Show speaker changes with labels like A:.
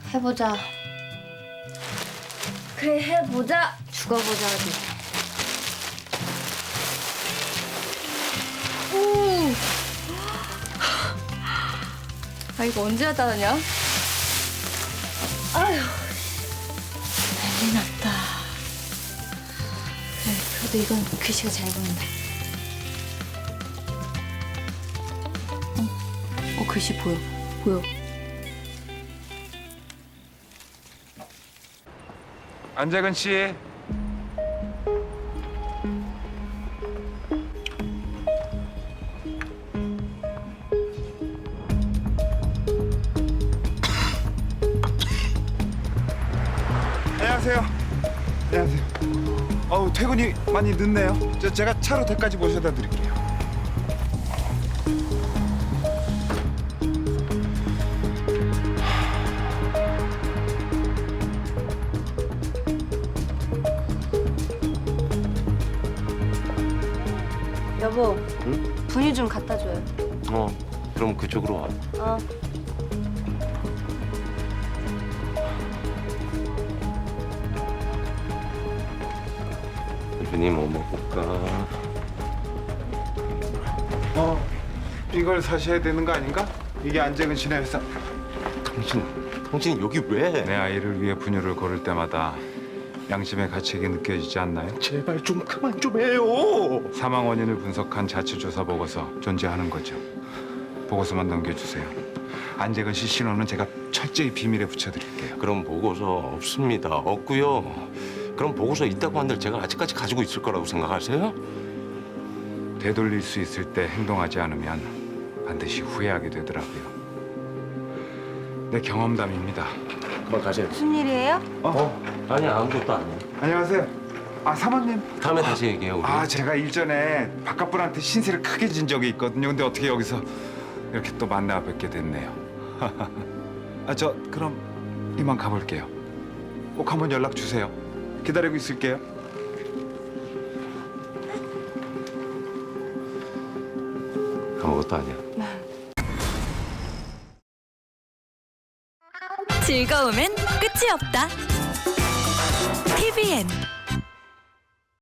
A: 해보자. 그래, 해보자. 죽어보자, 어디. 오! 아, 이거 언제 하다 하냐? 아휴. 난리 났다. 그래, 그래도 이건 글씨가 잘 보인다. 글씨 보여. 보여.
B: 안재근 씨. 안녕하세요. 안녕하세요. 퇴근이 많이 늦네요. 제가 차로 댁까지 모셔다 드릴게요.
A: 여보,
C: 응?
A: 분유 좀 갖다 줘요.
C: 그럼 그쪽으로 와.
A: 어.
C: 대표님 뭐 먹을까?
B: 이걸 사셔야 되는 거 아닌가? 이게 안재근 씨네 회사.
C: 당신 여기 왜?
B: 내 아이를 위해 분유를 고를 때마다 양심의 가책이 느껴지지 않나요?
C: 제발 좀 그만 좀 해요.
B: 사망 원인을 분석한 자치조사 보고서 존재하는 거죠. 보고서만 넘겨주세요. 안재근 씨 신원은 제가 철저히 비밀에 붙여드릴게요.
C: 그럼 보고서 없습니다. 없고요. 그럼 보고서 있다고 한들 제가 아직까지 가지고 있을 거라고 생각하세요?
B: 되돌릴 수 있을 때 행동하지 않으면 반드시 후회하게 되더라고요. 내 경험담입니다.
C: 그만 가세요.
A: 무슨 일이에요?
C: 아니 아무것도 아니야.
B: 안녕하세요. 사모님.
C: 다음에 다시 얘기해요. 우리.
B: 제가 일전에 바깥분한테 신세를 크게 진 적이 있거든요. 근데 어떻게 여기서 이렇게 또 만나 뵙게 됐네요. 저 그럼 이만 가볼게요. 꼭 한번 연락 주세요. 기다리고 있을게요.
C: 아무것도 아니야.
D: 즐거움엔 끝이 없다. TVN